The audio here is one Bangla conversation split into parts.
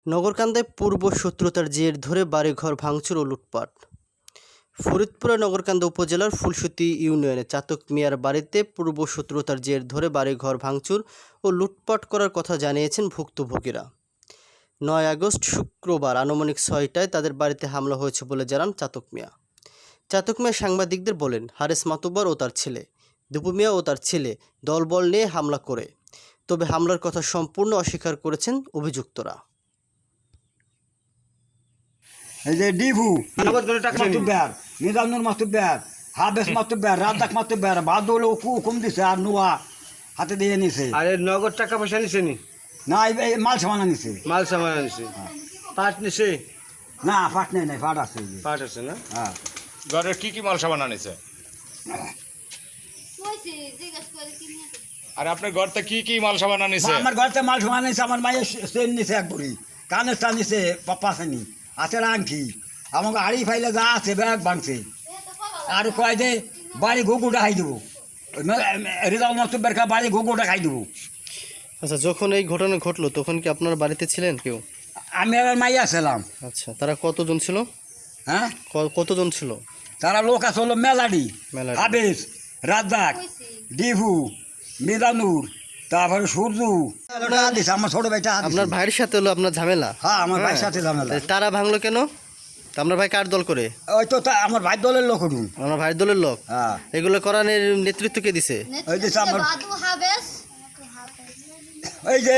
নগরকান্দায় পূর্ব শত্রুতার জের ধরে বাড়িঘর ভাঙচুর ও লুটপাট। ফরিদপুরের নগরকান্দা উপজেলার ফুলসুতি ইউনিয়নে চাতক মিয়ার বাড়িতে পূর্ব শত্রুতার জের ধরে বাড়িঘর ভাঙচুর ও লুটপাট করার কথা জানিয়েছেন ভুক্তভোগীরা। ৯ আগস্ট শুক্রবার আনুমানিক ৬টায় তাদের বাড়িতে হামলা হয়েছে বলে জানান চাতক মিয়া। চাতক মিয়া সাংবাদিকদের বলেন, হারেস মাতুব্বর ও তার ছেলে, দীপু মিয়া ও তার ছেলে দলবল নিয়ে হামলা করে, তবে হামলার কথা সম্পূর্ণ অস্বীকার করেছেন অভিযুক্তরা। এই যে ডিভু মাতুব্বার, নিজামুর মাতুব্বার, হাবেস মাতুব্বার, রাজ্জাক মাতুব্বার, বাদল হুকুম দিছে আর নোয়া হাতে দিয়ে নিছে। আরে নগদ টাকা পয়সা নিছে নি? না, এই মাল সামানা নিছে। মাল সামান নিছে। পাট নিছে? না, পাট নেই, নাই পাট আছে। পাট আছে না? হ্যাঁ। ঘরের কি কি মাল সামান আনিছে? আর আপনার ঘরতে কি কি মাল সামান আনিছে? আমার ঘরতে মাল সামানা নিছে, আমার মায়ের চেন নিছে এক বুড়ি, কানের টা নিছে, পাপ্পা আসেনি, আছে আংটি, আমাকে আড়ি ফাইলে যা আছে ব্যাগ ভাঙছে। আর কয় যে বাড়ি ঘুঘুটা খাই দেবো, রেজাল মাতুব্বার বাড়ি ঘুঘুটা খাই দেবো। আচ্ছা, যখন এই ঘটনা ঘটলো তখন কি আপনার বাড়িতে ছিলেন কেউ? আমি আমার মাইয়া ছিলাম। আচ্ছা, তারা কতজন ছিল? হ্যাঁ, কতজন ছিল? তারা লোক আছে হলো মেলাডি, মেলাডি। হাবেস, রাজ্জাক, ডিভু, মিজানুর, তারপরে সূর্য দিছে। আমার ছোট ভাইটা আপনার ভাইয়ের সাথে হলো আপনার ঝামেলা? হ্যাঁ, আমার ভাইয়ের সাথে ঝামেলা। তারা ভাঙলো কেন? আপনার ভাই কার দল করে? ওই তো আমার ভাই দলের লোক উঠুন। আমার ভাইয়ের দলের লোক? হ্যাঁ। এগুলো করার নেতৃত্ব কে দিছে? ওই যে আমার এই যে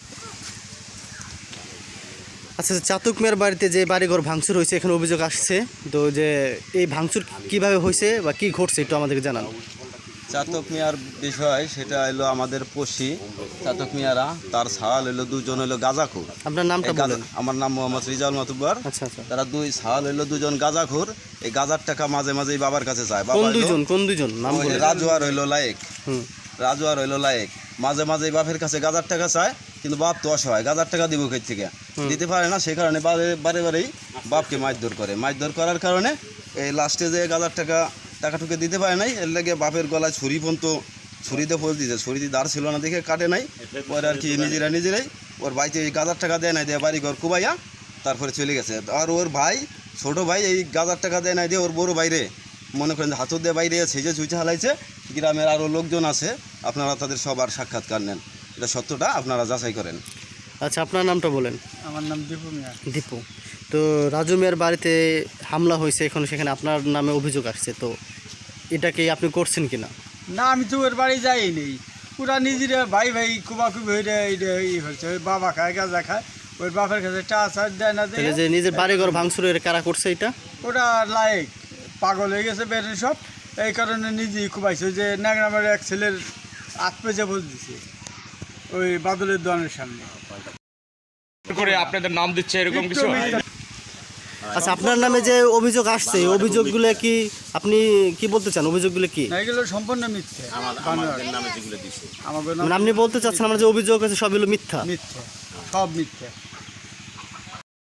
আচ্ছা, চাতক মিয়ার বাড়িতে যে বাড়িঘর ভাঙচুর হয়েছে, এখানে অভিযোগ আসছে, তো যে এই ভাঙচুর কিভাবে হয়েছে বা কি ঘটছে একটু আমাদেরকে জানান। চাতক মিয়ার বিষয় সেটা হলো আমাদের পড়শি চাতক মিয়ারা, তার ছাল হইলো দুজন হইলো গাঁজাখোর। আপনার নামটা বলেন। আমার নাম মোহাম্মদ রিজাল মাতুব্বর। আচ্ছা আচ্ছা। তারা দুই ছাল হইলো দুজন গাঁজাখোর। এই গাঁজার টাকা মাঝে মাঝেই বাবার কাছে যায়। কোন দুইজন নাম বলেন? রাজু আর হইলো লায়েক। রাজু আর হইলো লায়েক মাঝে মাঝেই বাপের কাছে গাঁজার টাকা চায়, কিন্তু বাপ তো অসহায়, গাঁজার টাকা দিব কই থেকে, দিতে পারে না। সেই কারণে বারে বারেই বাপকে মারধর করে। মারধর করার কারণে এই লাস্টে যে গাঁজার টাকাটুকে দিতে পারে নাই, এর লাগে বাপের গলায় ছুরি ছুরিতে ফোঁস দিয়েছে। ছুরিতে দাঁড় ছিল না দেখে কাটে নাই। পরে আর কি নিজেরাই ওর ভাইতে এই গাঁজার টাকা দেয় নাই, দিয়ে বাড়ি ঘর কুবাইয়া তারপরে চলে গেছে। আর ওর ভাই, ছোটো ভাই, এই গাঁজার টাকা দেয় নাই দিয়ে ওর বড় বাইরে মনে করেন হাতুর দিয়ে বাইরে ছেঁচে ছুঁচে হালাইছে। গ্রামের আরও লোকজন আছে, আপনারা তাদের সবার সাক্ষাৎকার নেন, এটা সত্যটা আপনারা যাচাই করেন। আচ্ছা, আপনার নামটা বলেন। আমার নাম দীপু মিয়া। দীপু। তো রাজু মিয়ার বাড়িতে হামলা হয়েছে, এখন সেখানে আপনার নামে অভিযোগ আসছে, তো এটাকে আপনি করছেন কিনা? না, আমি তো ওর বাড়ি যাই নেই। ওরা নিজেরা ভাই কুবাকুবি হয়ে হয়েছে। ওই বাবা খায়, গাঁজা খায়, ওর বাপের কাছে টাচার দেয় না। যে নিজের বাড়িঘর ভাঙচুরের কারা করছে এটা? ওরা লায়েক পাগল হয়ে গেছে বের সব, এই কারণে নিজেই কুবাইছে। যে ন্যাংরামের এক ছেলের আত্মজা বল দিছে ওই বাদলের দোকানের সামনে করে আপনাদের নাম দিচ্ছে এরকম কিছু? আচ্ছা, আপনার নামে যে অভিযোগ আসছে, অভিযোগগুলো কি আপনি কি বলতে চান? অভিযোগগুলো কি? এগুলো সম্পূর্ণ মিথ্যে। মানে আপনি বলতে চাচ্ছেন আমার যে অভিযোগ আছে সবগুলো মিথ্যা? মিথ্যে, সব মিথ্যে।